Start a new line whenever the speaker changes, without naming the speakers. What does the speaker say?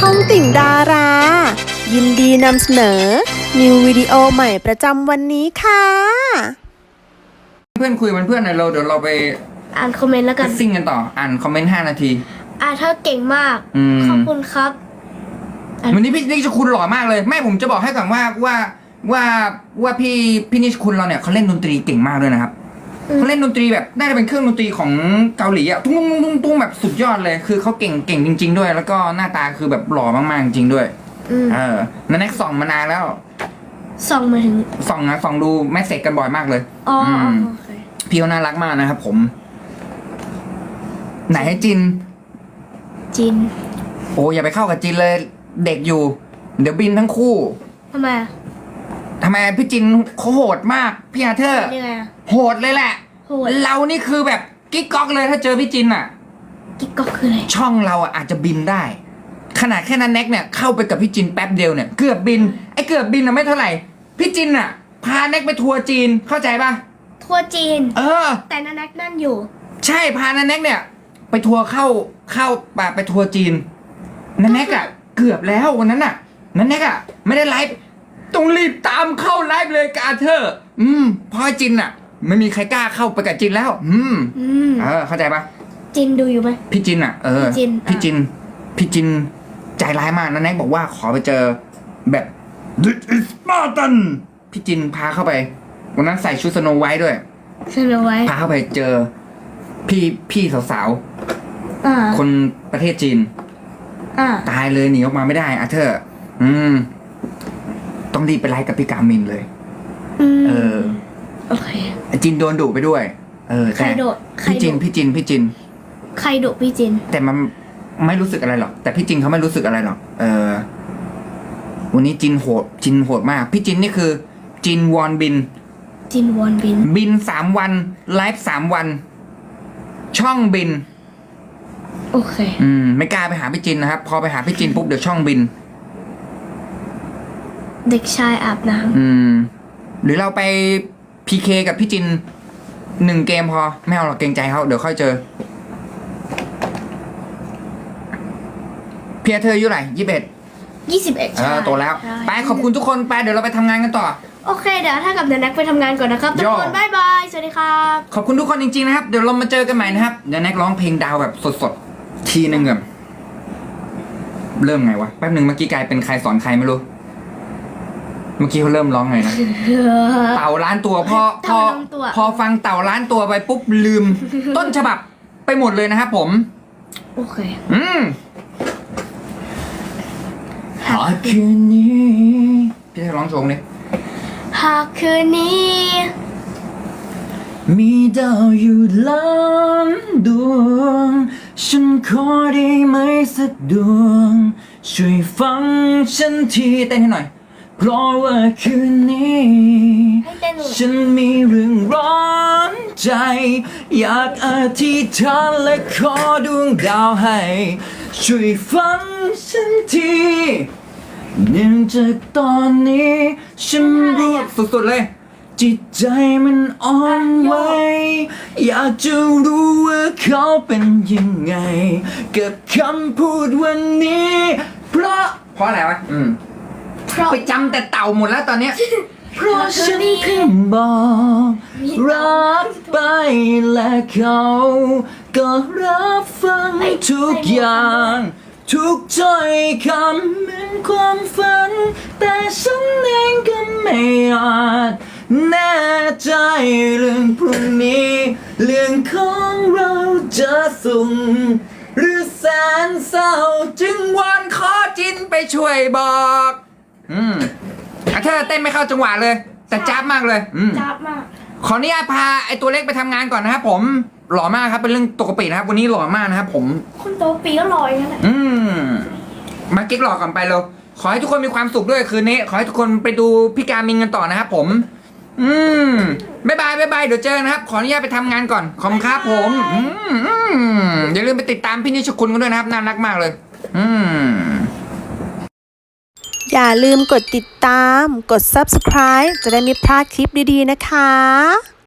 องติ่งดารา ยินดีนำเสนอนิววิดีโอใหม่ประจำวันนี้ค่ะ
เพื่อนคุยเพื่อนหน่อยเดี๋ยวเราไป
อ่านคอมเมนต์แล้วกัน
ซิ่งกันต่ออ่านคอมเมนต์5 นาที
เธอเก่งมากขอบคุณครับ
วันนี้พี่นิชคุณหล่อมากเลยแม่ผมจะบอกให้ก่อนว่าพี่นิชคุณเราเนี่ยเขาเล่นดนตรีเก่งมากด้วยนะครับเขาเล่นดนตรีแบบน่าจะเป็นเครื่องดนตรีของเกาหลีอะตุ้งแบบสุดยอดเลยคือเขาเก่งจริงๆด้วยแล้วก็หน้าตาคือแบบหล่อมากๆจริงด้วยนันแน็กส่องมานานแล้ว
ส่องมาถึง
ส่องดูแมสเสจกันบ่อยมากเลย
โอเค
พี่เขาน่ารักมากนะครับผมไหนให้จินโอ้อย่าไปเข้ากับจินเลยเด็กอยู่เดี๋ยวบินทั้งคู่
ทำไม
พี่จินเขาโหดมากพี่อาเธอร์โหดเลยแหละเรานี่คือแบบกิ๊กก๊อกเลยถ้าเจอพี่จินอ่ะ
กิ๊กก๊อกคืออะไร
ช่องเราอ่ะอาจจะบินได้ขนาดแค่นั้นแน็กเนี่ยเข้าไปกับพี่จินแป๊บเดียวเนี่ยเกือบบินเกือบบินอะไม่เท่าไหร่พี่จินอ่ะพาแน็กไปทัวร์จีนเข้าใจป่ะ
ทัวร์จีนแต่นันแน็กนั่นอยู่
ใช่พานันแน็กเนี่ยไปทัวร์เข้าไปทัวร์จีนนันแน็กอ่ะเกือบแล้ววันนั้นน่ะนันแน็กอ่ะไม่ได้ไลฟ์ต้องรีบตามเข้าไลฟ์เลยกับอาเธอร์พอจินอ่ะไม่มีใครกล้าเข้าไปกับจินแล้วเข้าใจปะ
จินดูอยู่ไหม
พี่จินอ่ะพี่จินใจร้ายมากนันแน็กบอกว่าขอไปเจอแบบ This is Spartan พี่จินพาเข้าไปวันนั้นใส่ชุดสโนไวท์ด้วยพาเข้าไปเจอพี่สาวคนประเทศจีนตายเลยหนีออกมาไม่ได้อาเธอร์ต้องรีบไปไลฟ์กับพี่กามินเลย
โอเค
จินโดนดุไปด้วย
ใครดุ
พี่จิน
ใครดุพี่จิน
แต่มันไม่รู้สึกอะไรหรอกแต่พี่จินเขาไม่รู้สึกอะไรหรอกวันนี้จินโหดมากพี่จินนี่คือจินวอนบินบิน3 วันไลฟ์3 วันช่องบิน
โอเค
ไม่กล้าไปหาพี่จินนะครับพอไปหาพี่จินปุ๊บเดี๋ยวช่องบิน
เด็กชายอาบน้
ำหรือเราไปพีเคกับพี่จิน1 เกมพอไม่เอาหรอกเกรงใจเขาเดี๋ยวค่อยเจอเพียเธออายุไหน21โตแล้วไปขอบคุณทุกคนไปเดี๋ยวเราไปทำงานกันต่อ
โอเคเดี๋ยวถ้ากับนันแน็กไปทำงานก่อนนะครับทุกคนบ๊ายบายสวัสดีครับ
ขอบคุณทุกคนจริงๆนะครับเดี๋ยวเรามาเจอกันใหม่นะครับเดี๋ยวแน็กร้องเพลงดาวแบบสดๆทีนึงแบบเริ่มไงวะแป๊บหนึ่งเมื่อกี้กลายเป็นใครสอนใครไม่รู้เมื่อกี้เขาเริ่มร้องไงนะเต่าล้านตัวพอฟังเต่าล้านตัวไปปุ๊บลืมต้นฉบับไปหมดเลยนะครับผม
โอเค
หากคืนนี้พี่จะร้องโชว์นี่
หากคืนนี้
มีดาวอยู่ล้านดวงฉันขอได้ไหมสักดวงช่วยฟังฉันทีเต้นให้หน่อยเพราะว่าคืนนี้ฉันมีเรื่องร้อนใจอยากอธิษฐานและขอดวงดาวให้ช่วยฟังฉันทีเนื่องจากตอนนี้ฉันรู้สุดๆเลยจิตใจมันอ่อนไหวอยากจะรู้ว่าเขาเป็นยังไงกับคำพูดวันนี้เพราะอะไรวะไปจำแต่เต่าหมดแล้วตอนเนี้ยเพราะฉันเพิ่งบอกรักไปและเขาก็รับฟังทุกอย่างทุกถ้อยคำเหมือนความฝันแต่ฉันเองก็ไม่อาจแน่ใจเรื่องพรุ่งนี้เรื่องของเราจะสุ่มหรือแสนเศร้าจึงวอนขอจินไปช่วยบอกเธอเต้นไม่เข้าจังหวะเลยแต่จ้าบมากเลย
จ้าบมาก
ขออนุญาตพาไอตัวเล็กไปทำงานก่อนนะครับผมหล่อมากครับเป็นเรื่องปกตินะครับวันนี้หล่อมากนะครับผม
คนโตปีก็หล่ออย่างนั้นแหละ
มากิ๊กหล่อก่อนไปเลยขอให้ทุกคนมีความสุขด้วยคืนนี้ขอให้ทุกคนไปดูพี่การมินกันต่อนะครับผมบ๊ายบายเดี๋ยวเจอนะครับขออนุญาตไปทำงานก่อนขอบคุณครับผมอย่าลืมไปติดตามพี่นิชคุณกันด้วยนะครับน่ารักมากเลย
อย่าลืมกดติดตามกด Subscribe จะได้ไม่พลาดคลิปดีๆนะคะ